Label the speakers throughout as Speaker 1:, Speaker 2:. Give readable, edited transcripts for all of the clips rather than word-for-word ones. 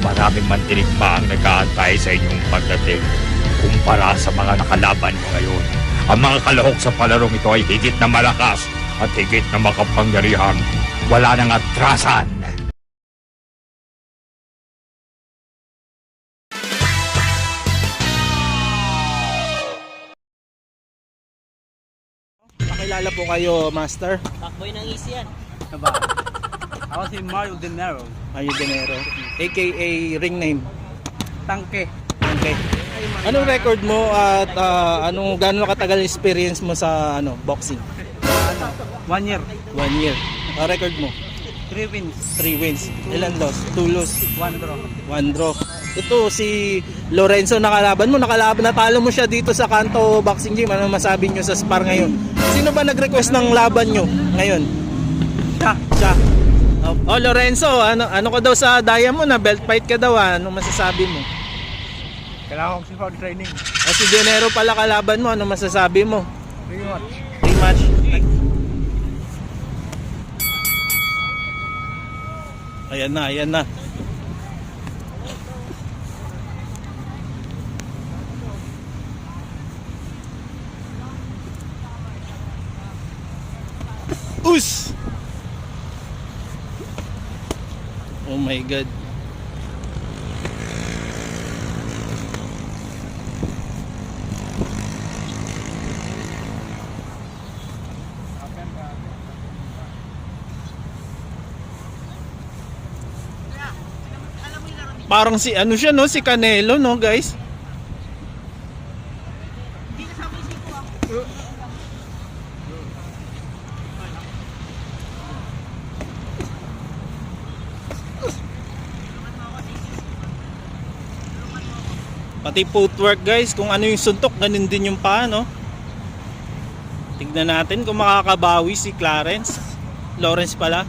Speaker 1: Maraming mandirigma ang nag-aantay sa inyong pagdating. Kumpara sa mga nakalaban mo ngayon, ang mga kalahok sa palarong ito ay higit na malakas at higit na makapangyarihan. Wala nang atrasan.
Speaker 2: Pakilala po kayo, Master.
Speaker 3: Backboy ng easy yan.
Speaker 4: Diba? Ako si Mario De Niro.
Speaker 2: Mayo Dinero, aka ring name.
Speaker 4: Tangke.
Speaker 2: Okay. Anong record mo at gaano katagal experience mo sa boxing?
Speaker 4: 1 year.
Speaker 2: 1 year. Record mo?
Speaker 4: 3 wins.
Speaker 2: 3 wins. Ilan loss? 2 loss.
Speaker 4: 1 draw.
Speaker 2: 1 draw. Ito si Lorenzo nakalaban mo. Natalo mo siya dito sa Kanto Boxing Gym. Ano masabi nyo sa spar ngayon? Sino ba nag-request ng laban nyo ngayon? Siya. Oh, Lorenzo, ano ka daw sa daya mo na belt fight ka daw, ano masasabi mo?
Speaker 4: Kailangan ko si hard training.
Speaker 2: Si Dinero pala kalaban mo, ano masasabi mo?
Speaker 4: Rematch.
Speaker 2: Rematch. Ayan na, ayan na. Us! Oh my God. Parang si siya no, si Canelo no, guys. Pati footwork guys, kung ano yung suntok, ganun din yung paa, no? Tignan natin kung makakabawi si Lawrence pala.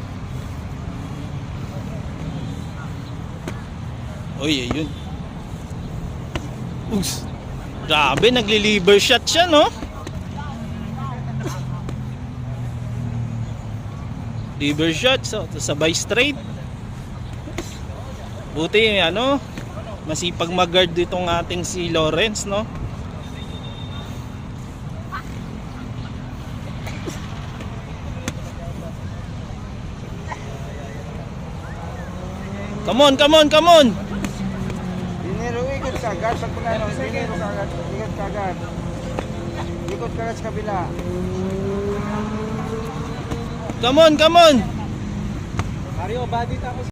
Speaker 2: Uy, ayun. Ugs. Grabe, nagli-liver shot siya, no? Liver shot, so sabay straight. Buti masipag mag-guard ditong ating si Lawrence, no? Come on, come on, come on!
Speaker 4: Dinero, ikot ka agad. Pag punano, dinero ka agad. Ikot ka agad. Ikot ka agad sa kabila.
Speaker 2: Come on, come on!
Speaker 4: Mario, body tapos.